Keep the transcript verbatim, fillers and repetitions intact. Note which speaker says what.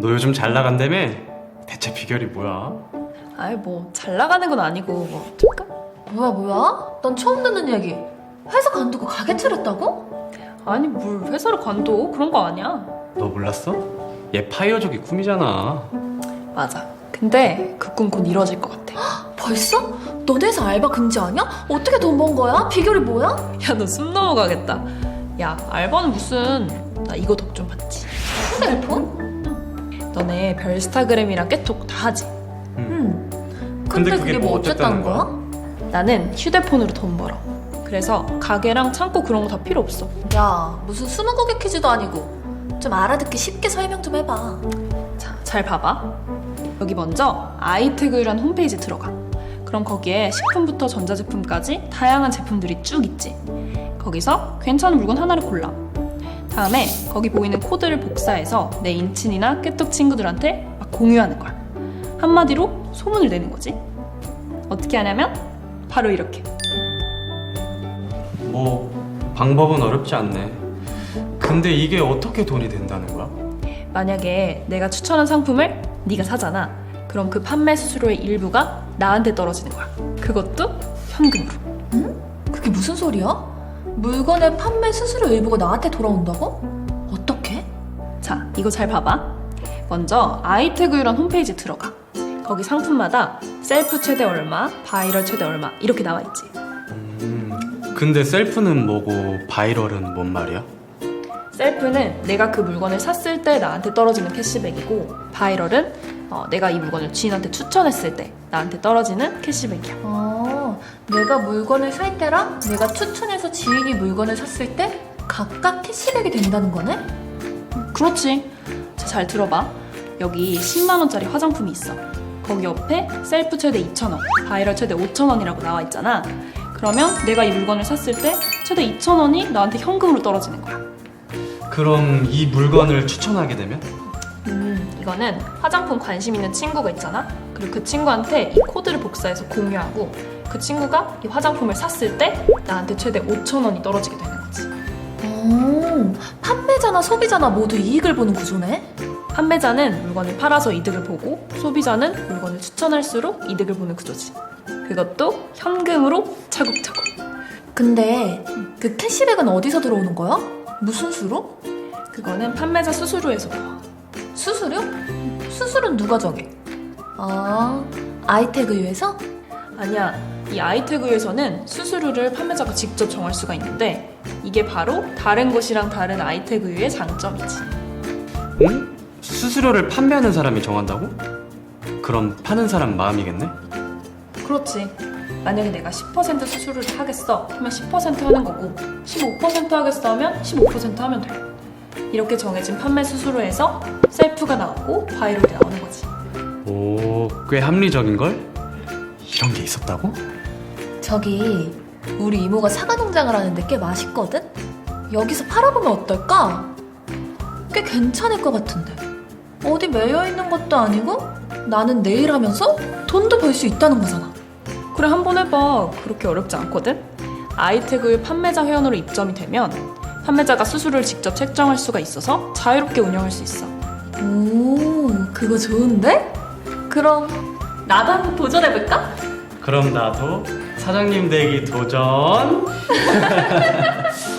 Speaker 1: 너 요즘 잘 나간다며? 대체 비결이 뭐야?
Speaker 2: 아이 뭐 잘 나가는 건 아니고 뭐 잠깐?
Speaker 3: 뭐야 뭐야? 난 처음 듣는 얘기. 회사 관두고 가게 차렸다고?
Speaker 2: 아니 뭘 회사를 관둬 그런 거 아니야.
Speaker 1: 너 몰랐어? 얘 파이어족이 꿈이잖아.
Speaker 2: 맞아. 근데 그 꿈 곧 이뤄질 것 같아.
Speaker 3: 벌써? 너네 회사 알바 금지 아니야? 어떻게 돈 번 거야? 비결이 뭐야?
Speaker 2: 야 너 숨 넘어가겠다. 야 알바는 무슨 나 이거 덕 좀 받지.
Speaker 3: 휴대폰?
Speaker 2: 너네 별스타그램이랑 깨톡 다 하지?
Speaker 3: 응.
Speaker 1: 근데
Speaker 3: 근데,
Speaker 1: 그게
Speaker 3: 그게
Speaker 1: 뭐
Speaker 3: 뭐
Speaker 1: 어쨌다는
Speaker 3: 어쨌다는 거야?
Speaker 2: 나는 휴대폰으로 돈 벌어. 그래서 가게랑 창고 그런 거 다 필요 없어.
Speaker 3: 야, 무슨 스무고개 퀴즈도 아니고 좀 알아듣기 쉽게 설명 좀 해봐.
Speaker 2: 자, 잘 봐봐. 여기 먼저 아이태그라는 홈페이지 들어가. 그럼 거기에 식품부터 전자제품까지 다양한 제품들이 쭉 있지. 거기서 괜찮은 물건 하나를 골라. 다음에 거기 보이는 코드를 복사해서 내 인친이나 깨톡 친구들한테 막 공유하는 거야. 한마디로 소문을 내는 거지. 어떻게 하냐면 바로 이렇게.
Speaker 1: 뭐 방법은 어렵지 않네. 근데 이게 어떻게 돈이 된다는 거야?
Speaker 2: 만약에 내가 추천한 상품을 네가 사잖아. 그럼 그 판매 수수료의 일부가 나한테 떨어지는 거야. 그것도 현금으로.
Speaker 3: 그게 무슨 소리야? 물건의 판매 수수료 일부가 나한테 돌아온다고? 어떻게?
Speaker 2: 자, 이거 잘 봐봐. 먼저 아이태그유란 홈페이지 들어가. 거기 상품마다 셀프 최대 얼마, 바이럴 최대 얼마 이렇게 나와 있지.
Speaker 1: 음, 근데 셀프는 뭐고 바이럴은 뭔 말이야?
Speaker 2: 셀프는 내가 그 물건을 샀을 때 나한테 떨어지는 캐시백이고, 바이럴은 어, 내가 이 물건을 지인한테 추천했을 때 나한테 떨어지는 캐시백이야.
Speaker 3: 아, 내가 물건을 살 때랑 내가 추천해서 지인이 물건을 샀을 때 각각 캐시백이 된다는 거네?
Speaker 2: 그렇지. 자, 잘 들어봐. 여기 십만 원짜리 화장품이 있어. 거기 옆에 셀프 최대 이천 원, 바이럴 최대 오천 원이라고 나와 있잖아. 그러면 내가 이 물건을 샀을 때 최대 이천 원이 나한테 현금으로 떨어지는 거야.
Speaker 1: 그럼 이 물건을 추천하게 되면?
Speaker 2: 음, 이거는 화장품 관심 있는 친구가 있잖아. 그리고 그 친구한테 이 코드를 복사해서 공유하고, 그 친구가 이 화장품을 샀을 때 나한테 최대 오천 원이 떨어지게 되는 거지.
Speaker 3: 오, 판매자나 소비자나 모두 이익을 보는 구조네?
Speaker 2: 판매자는 물건을 팔아서 이득을 보고, 소비자는 물건을 추천할수록 이득을 보는 구조지. 그것도 현금으로 차곡차곡.
Speaker 3: 근데 그 캐시백은 어디서 들어오는 거야? 무슨 수로?
Speaker 2: 그거는 판매자 수수료에서 나와.
Speaker 3: 수수료? 수수료는 누가 정해? 아, 아이태그유에서?
Speaker 2: 아니야, 이 아이태그에서는 수수료를 판매자가 직접 정할 수가 있는데, 이게 바로 다른 곳이랑 다른 아이태그의 장점이지.
Speaker 1: 응? 수수료를 판매하는 사람이 정한다고? 그럼 파는 사람 마음이겠네?
Speaker 2: 그렇지. 만약에 내가 십 퍼센트 수수료를 하겠어 하면 십 퍼센트 하는 거고, 십오 퍼센트 하겠어 하면 십오 퍼센트 하면 돼. 이렇게 정해진 판매 수수료에서 셀프가 나오고 바이럴이 나오는 거지.
Speaker 1: 오, 꽤 합리적인걸? 이런 게 있었다고?
Speaker 3: 저기 우리 이모가 사과 농장을 하는데 꽤 맛있거든? 여기서 팔아보면 어떨까? 꽤 괜찮을 것 같은데. 어디 매여있는 것도 아니고 나는 내일 하면서 돈도 벌 수 있다는 거잖아.
Speaker 2: 그래, 한번 해봐. 그렇게 어렵지 않거든? 아이태그의 판매자 회원으로 입점이 되면 판매자가 수수료를 직접 책정할 수가 있어서 자유롭게 운영할 수 있어.
Speaker 3: 오, 그거 좋은데? 그럼 나도 한번 도전해볼까?
Speaker 1: 그럼 나도 사장님 되기 도전.